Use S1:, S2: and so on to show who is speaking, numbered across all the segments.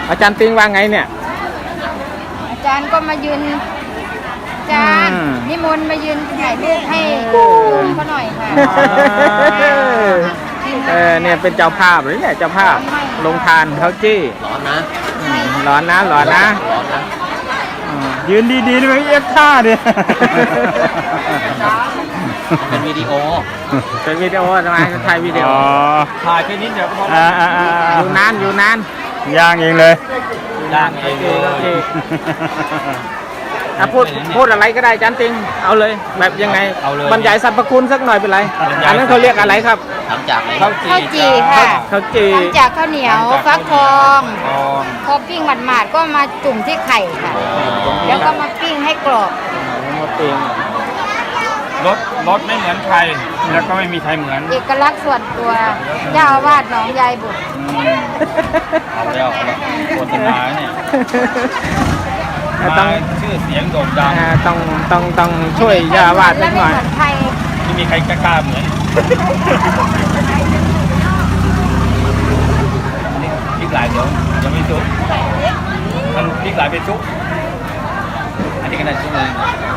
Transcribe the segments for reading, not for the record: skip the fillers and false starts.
S1: อาจารย์ติงว่าไงเนี่ย
S2: อาจารย์ก็มายืนอาจารย์นิมนต์มายืนถ่ายรูปให้ลุงเขาหน่อยค่ะ
S1: เนี่ยเป็นเจ้าภาพหรือเนี่ยเจ้าภาพลงทานเขาจี้
S3: ร้อนนะ
S1: ร้อนนะร้อนนะยืนดีๆด้วยเอฟท่าเนี่ย
S3: เป็นวิดีโอ
S1: ทำไมถ่ายวิดีโอ
S3: ถ่ายแค่นี้เดี๋ยวพอ
S1: อยู่นาน
S3: ย่างเองเลยย่างเองเลย
S1: พูดอะไรก็ได้จันติงเอาเลยแบบยังไงบรรยายสรรพคุณสักหน่อยเป็นไรอันนั้นเขาเรียกอะไรครับ
S3: ทำจาก
S2: ข้าวจี่ค่ะ
S1: ข้าวจี่
S2: ทำจากข้าวเหนียวฟักทองพอปิ้งหมาดๆก็มาจุ่มที่ไข่ค่ะแล้วก็มาปิ้งให้กรอบ
S1: มาปิ้ง
S3: รสไม่เหมือนใครแล้วก็ไม่มีใครเหมือน
S2: เอกลักษณ์ส่วนตัวเจ้าอาวาสหนองยายบุตร
S3: เอาแล้วโฆษณาเนี่ยต้องชื่อเสียงโด่งดัง
S1: ต้องช่วยยาวาดนิดหน่อย
S3: ไม่มีใครกล้าเหมือนพริกหลายเดี๋ยวยังไม่ซุกมันพริกหลายเป็นซุกอันนี้ก็น่าซุกเลย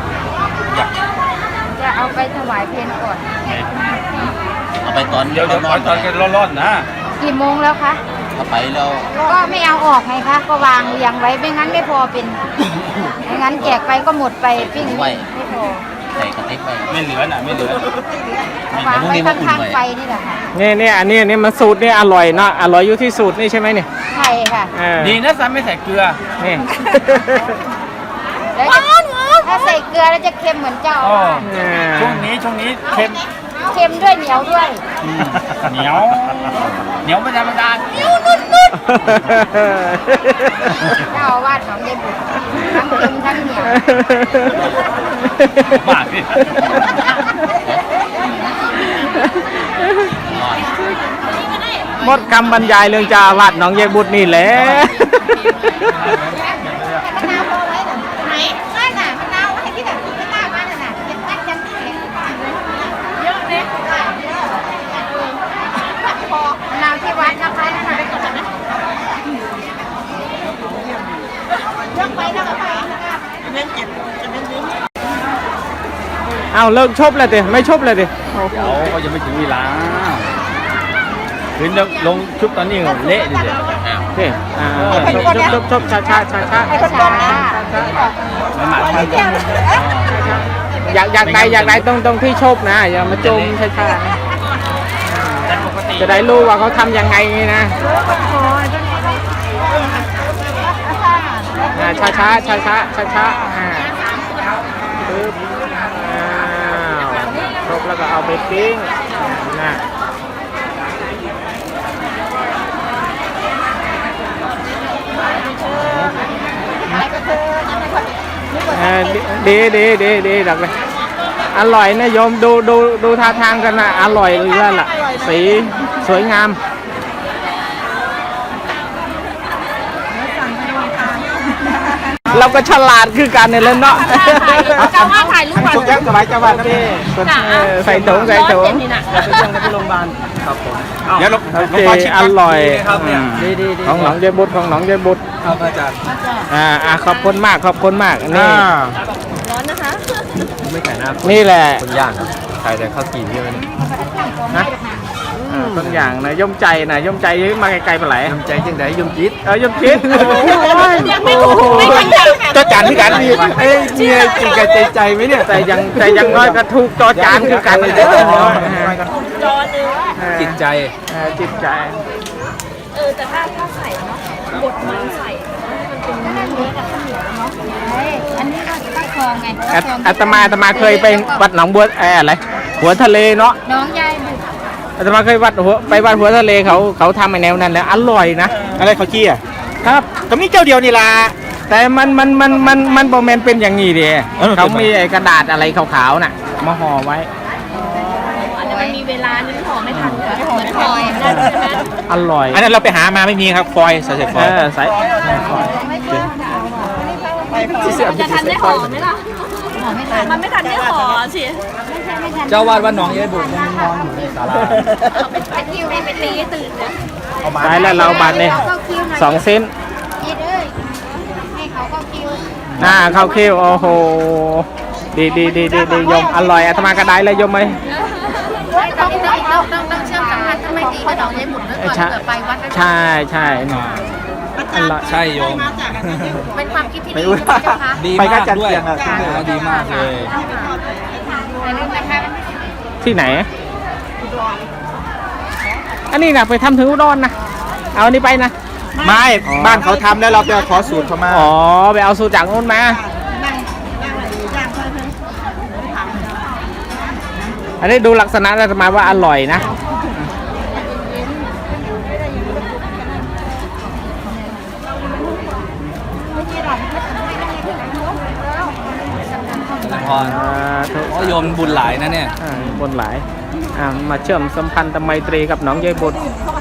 S2: จะเอาไปถวายเพลก่อน
S3: เอาไปตอนเดี๋ยวตอนกันร้อนๆนะ
S2: กี่โมงแล้วคะ
S3: เอาไปแล้ว
S2: ก็ไม่เอาออกไงคะก็วางเรียงไว้ไม่งั้นไม่พอเป็นไม่งั้นแจกไปก็หมดไปปิ้งไม่พอ
S3: ใส่กระติกไปไม่เหลือน่ะไม่เหลือ
S2: วางไว้ข้างๆไฟนี่แหละค่ะ
S1: นี่อันนี้มันสูตรนี่อร่อยเนาะอร่อยอยู่ที่สูตรนี่ใช่ไหมเนี่ย
S2: ใช่ค่ะ
S3: ดีนะซ้ำไม่ใส่เกลือ
S1: นี่
S2: ถ้าใส่เกลือแล้วจะเค็มเหมือนเจ้า
S3: ช่วงนี้
S2: เค็มด้วยเหนียวด้วย
S3: เหนียวไม่ธรรมดาเหนียวนุ่น
S2: เจ้าวาดของยายบุตรทั้งเค็มทั้งเหนียว
S3: มากพี่
S1: หมดคำบรรยายเรื่องเจ้าอาวาสหนองยายบุตรนี่แหละเอาเลิกชบเลยดิไม่ชบเลยดิ
S3: เดี๋ยวเขาจะไม่ถึงเวลาขึ้นลงชุบตอนนี้เละดิเดี๋ยว
S1: ชบช้าอยากได้ตรงที่ชบนะอย่ามาจมช้าจะได้รู้ว่าเขาทำยังไงนะช้าครบแล้วก็เอาไปปิ้งนะดีดักเลยอร่อยนะโยมดูท่าทางกันนะอร่อยเลยล่ะสีสวยงามเราก็ฉลาดคือกันเนี่ยเลยเนาะ
S2: เจ้าว่าถ่ายรูปก่อน
S1: ชุดยังสบายเจ้าว่านะพี่ใส่ถุงจะไปยังในโรงพยาบาลครับผม
S3: เดี๋ยว
S1: อร่อยของหนองยายบุตร
S3: ครับอาจารย์
S1: ขอบคุณมากนี่
S3: ร้อนนะคะไม่ไก่หน้า
S1: นี่แหละ
S3: คนย่างใส่แต่ข้าวจี่ใช่ไหม
S1: นะต้นอย่างนะย่อมใจมาไกลๆไปไหน
S3: ย่อมใจจังไดย่อมจิต
S1: ย่อมจิตจอจานที่กันนี่
S3: เนี่ยจริงกับใจไหมเนี่ย
S1: แต่ยังน้อยก็ถูกจอจานคือกันเลย
S3: จิตใจ
S2: แต่ถ้าใส่เนาะบดมันใส่มันเป็นเนื้อกับข้าวเหนียวเนาะอันนี้ก็ตั้งคองไง
S1: อาตมาเคยไปวัดหนองบัวอะไรหัวทะเลเนาะ
S2: น้องยายบุตร
S1: อาตมาเคยไปวัดหัวทะเลเขาทำในแนวนั้นแล้วอร่อยนะ
S3: อะไรเขาจี้อ่ะ
S1: ครับก็มีเจ้าเดียวนี่ล่ะแต่มันโบแมนเป็นอย่างนี้ดิเขามีไอ้กระดาษอะไรขาวๆน่ะมาห่อไว้
S2: มันมีเวลานึงห่อไม่ทันเหมือนฟอย
S1: อร่อย
S3: อันนั้นเราไปหามาไม่มีครับฟอยใส่ฟอย
S1: ใส่ฟอย
S2: จะทันได้ห่อไหมล่ะมันไม่ทันได้ห่อสิ
S3: เจ้าวาดว่าน้องยายบุตรนอนอยู่ในศาลา
S2: ไปคิวให้ไปตีตื่นนะ
S1: ได้แล้วเราบัตรเนี่ย2 เซนข้าวเคี่ยวโอ้โหดีโยมอร่อยอาตมากระไดเลยโยมไหม
S2: ต้องเชื่อมสัมพันธ์ถ้าไม่ดีก็ดอกยายหมุนไว้ก่อนเผื่อไปวัดแล้ว
S1: ใช่อร่อย
S3: ใช่โยม
S2: เป็นความคิดที่
S1: ไม่
S2: ดี
S1: รู้
S2: นะเจ้าคะ
S3: ดี
S1: ไปกั
S3: มาน ก
S1: จัน
S3: ด้วย
S1: เชียงอะ
S3: ดีมากเลย
S2: อย่าลืมนะคะ
S1: ที่ไหน อันนี้นะไปทำถึงอุดรนะเอาอันนี้ไปนะ
S4: ไม่บ้านเขาทำแล้วเราไปขอสูตรเขามา
S1: อ๋อไปเอาสูตรจากนู้นมาอันนี้ดูลักษณะแล้วจะมาว่าอร่อยนะ
S3: พรโอ้โยมบุญหลายนะเนี่ย
S1: บนหลายมาเชื่อมสัมพันธ์ไมตรีกับน้องยายบุตร
S2: เขา